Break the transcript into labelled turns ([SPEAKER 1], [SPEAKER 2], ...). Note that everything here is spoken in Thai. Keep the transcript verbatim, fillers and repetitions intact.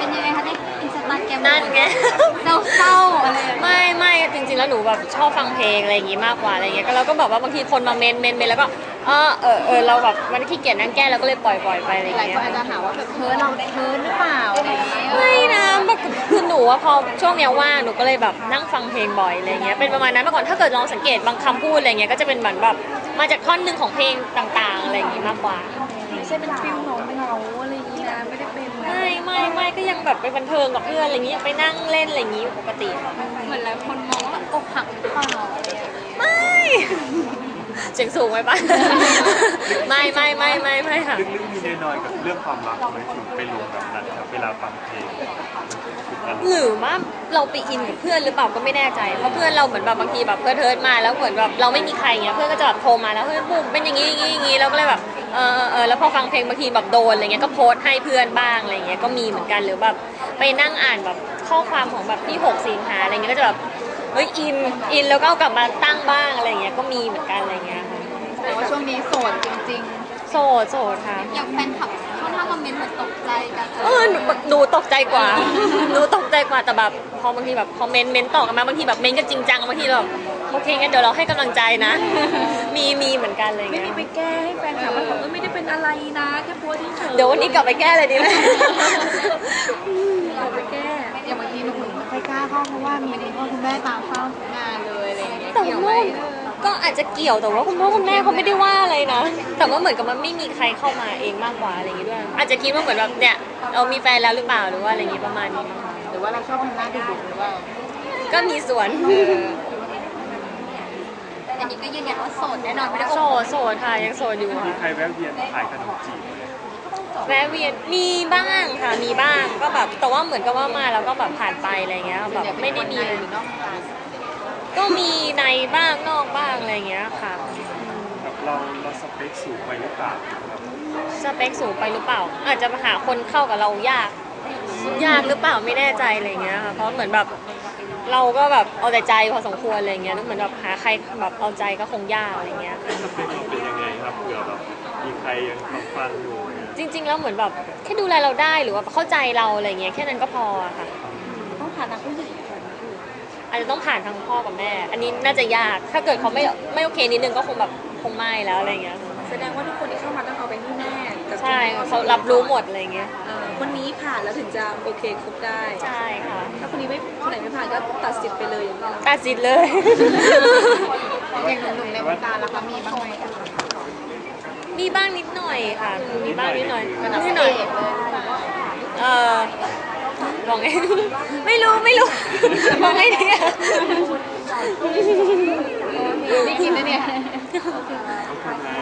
[SPEAKER 1] เป็นยังไงคะในอินสตาแกรม
[SPEAKER 2] นั่นไง
[SPEAKER 1] เศร้าๆอะไร
[SPEAKER 2] ไม่ไม่จริงๆแล้วหนูแบบชอบฟังเพลงอะไรอย่างงี้มากกว่าอะไรเงี้ยก็เราก็แบบว่าบางทีคนมาเมนเมนเมนแล้วก็เออเออเออเราแบบมันขี้เกียจนั่งแก้เราก็เลยปล่อยปล่อยไปอะไร
[SPEAKER 1] หลาย
[SPEAKER 2] เงี้
[SPEAKER 1] ค
[SPEAKER 2] ย
[SPEAKER 1] นอาจจะหาว่าแบบเพ้อเราเพ้อหรือเปล่าอะไรอย่างเงี้ย
[SPEAKER 2] ไม่นะคือหนูว่าพอช่วงเนี้ยว่างหนูก็เลยแบบนั่งฟังเพลงบ่อยอะไรเงี้ยเป็นประมาณนั้นเมื่อก่อนถ้าเกิดลองสังเกตบางคำพูดอะไรเงี้ยก็จะเป็นเหมือนแบบมาจากท่อนหนึ่งของเพลงต่างๆอะไรอย่างงี้มากกว่า
[SPEAKER 1] ไม่ใช่เป็นฟิลหนงเหงาอะไรอย่างงี้นะไม่ได้เป็น
[SPEAKER 2] ไม่ไม่ไม่ก็ยังแบบไปบันเทิงกับเพื่อนอะไรอย่างงี้ไปนั่งเล่นอะไรอย่างงี้ปกติ
[SPEAKER 1] เหมือนหลายคนมองว่าอกหักหรือเปล่า
[SPEAKER 2] ไม่เสียงสูงไหมปะไม่ไม่ไม่ไม่ไม่ค่ะ
[SPEAKER 3] ลึกๆมีแน่นอนกับเรื่องความรักไหมถึงไปลงแบบนั้นครับเวลาฟังเพลง
[SPEAKER 2] หรือว่าเราไปอินกับเพื่อนหรือเปล่าก็ไม่แน่ใจเพราะเพื่อนเราเหมือนแบบบางทีแบบเพื่อนเทิร์ดมาแล้วเหมือนแบบเราไม่มีใครเงี้ยเพื่อนก็จะแบบโทรมาแล้วเฮ้ยบุ๋มเป็นอย่างงี้อย่างงี้อย่างงี้เราก็เลยแบบเออเออแล้วพอฟังเพลงบางทีแบบโดนอะไรเงี้ยก็โพสให้เพื่อนบ้างอะไรเงี้ยก็มีเหมือนกันหรือแบบไปนั่งอ่านแบบข้อความของแบบที่หกสิงหาอะไรเงี้ยก็จะแบบเฮ้ยอินอินแล้วก็เอากลับมาตั้งบ้างอะไรเงี้ยก็มีเหมือนกันอะไรเงี้ย
[SPEAKER 1] แต่ว่าช่วงนี้โสดจริง
[SPEAKER 2] ๆโสดโสดค่ะ
[SPEAKER 1] อย่างแฟนคลับค่อนข้างคอมเมนต์เหมือนตกใจกัน
[SPEAKER 2] เออหนูตกใจกว่าหนูตกใจกว่าแต่แบบพอบางทีแบบคอมเมนต์เมนต์ต่อกันมาบางทีแบบเมนต์กันจริงจังบางทีเราแบบโอเคงั้นเดี๋ยวเราให้กำลังใจนะมีมีเหมือนกันเลย
[SPEAKER 1] ไม่มีไปแก้ให้แฟนคลับมันบอกว่าไม่ได้เป็นอะไรนะแค่โพสเฉย
[SPEAKER 2] เดี๋ยววันนี้กลับไปแก้เลยดีไหม
[SPEAKER 1] กลับไปแก้อย่างบางทีหนุ่มๆไม่ค่อยกล้าเข้าเพราะว่ามีคุณพ่อคุณแม่ตามเข้างานเลยอะไรอย่างเงี้ย
[SPEAKER 2] แต่ว่าก็อาจจะเกี่ยวแต่ว่าคุณพ่อคุณแม่เขาไม่ได้ว่าอะไรนะแต่ว่าเหมือนกับมันไม่มีใครเข้ามาเองมากกว่าอะไรอย่างงี้ด้วยอาจจะคิดว่าเหมือนแบบเนี่ยเรามีแฟนแล้วหรือเปล่าหรือว่าอะไรอย่างงี้ประมาณนี้
[SPEAKER 1] หรือว่าเราชอบทำหน้าดุๆหรือว่า
[SPEAKER 2] ก็มีส่วน
[SPEAKER 1] อันนี้ก็ยืนยันว่าโสดแน่นอนไม่ได้
[SPEAKER 2] โสดโสดค่ะยังโสดอยู่ค่ะ
[SPEAKER 3] มีใครแวะเวียนขายขนมจีบไหม
[SPEAKER 2] แวะเวียนมีบ้างค่ะมีบ้างก็แบบแต่ว่าเหมือนกับว่ามาแล้วก็แบบผ่านไปอะไรเงี้ยแบบไม่ได้มีเลยก็มีในบ้างนอกบ้างอะไรเงี้ยค่ะ
[SPEAKER 3] แบบเราเราสเปคสูงไปหรือเปล่าครับ
[SPEAKER 2] สเปคสูงไปหรือเปล่าอาจจะหาคนเข้ากับเรายากยากหรือเปล่าไม่แน่ใจอะไรเงี้ยค่ะเพราะเหมือนแบบเราก็แบบเอาแต่ใจพอสมควรอะไรเงี้ยแล้วเหมือนแบบหาใครแบบเอาใจก็คงยากอะไรเงี้ย
[SPEAKER 3] สเปคเราเป็นยังไงครับเผื่อแบบมีใครยังฟังอยู่
[SPEAKER 2] จริงๆแล้วเหมือนแบบแค่ดูแลเราได้หรือว่าเข้าใจเราอะไรเงี้ยแค่นั้นก็พอค่ะ
[SPEAKER 1] ต้องผ่านทางผู้ใหญ่
[SPEAKER 2] อาจจะต้องผ่านทางพ่อกับแม่อันนี้น่าจะยากถ้าเกิดเขาไม่ไม่โอเคนิดนึงก็คงแบบคงไม่แล้วอะไรเงี้ย
[SPEAKER 1] แสดงว่าทุกคนที่เข้ามาต้องเอาไปที่แม่
[SPEAKER 2] ใช่เขารับรู้หมดอะไรเงี้ย
[SPEAKER 1] คนนี้ผ่านแล้วถึงจะโอเคคบได้
[SPEAKER 2] ใช่ค่ะ
[SPEAKER 1] ถ้าคนนี้ไม่คนไหนไม่ผ่านก็ตัดสิทธิ์ไปเลยอย่างเงี้ย
[SPEAKER 2] ตัดสิทธิ์เลย
[SPEAKER 1] อย่างหนุ่มๆในวงการล่ะคะมีบ้างไหม
[SPEAKER 2] มีบ้างนิดหน่อยค่ะมีบ้างนิดหน่อย
[SPEAKER 1] นิดหน่อย
[SPEAKER 2] เออมองไงไม่รู้ไม่รู้มองไงดีอ่ะ
[SPEAKER 1] ได้ทีมแล้วเนี่ย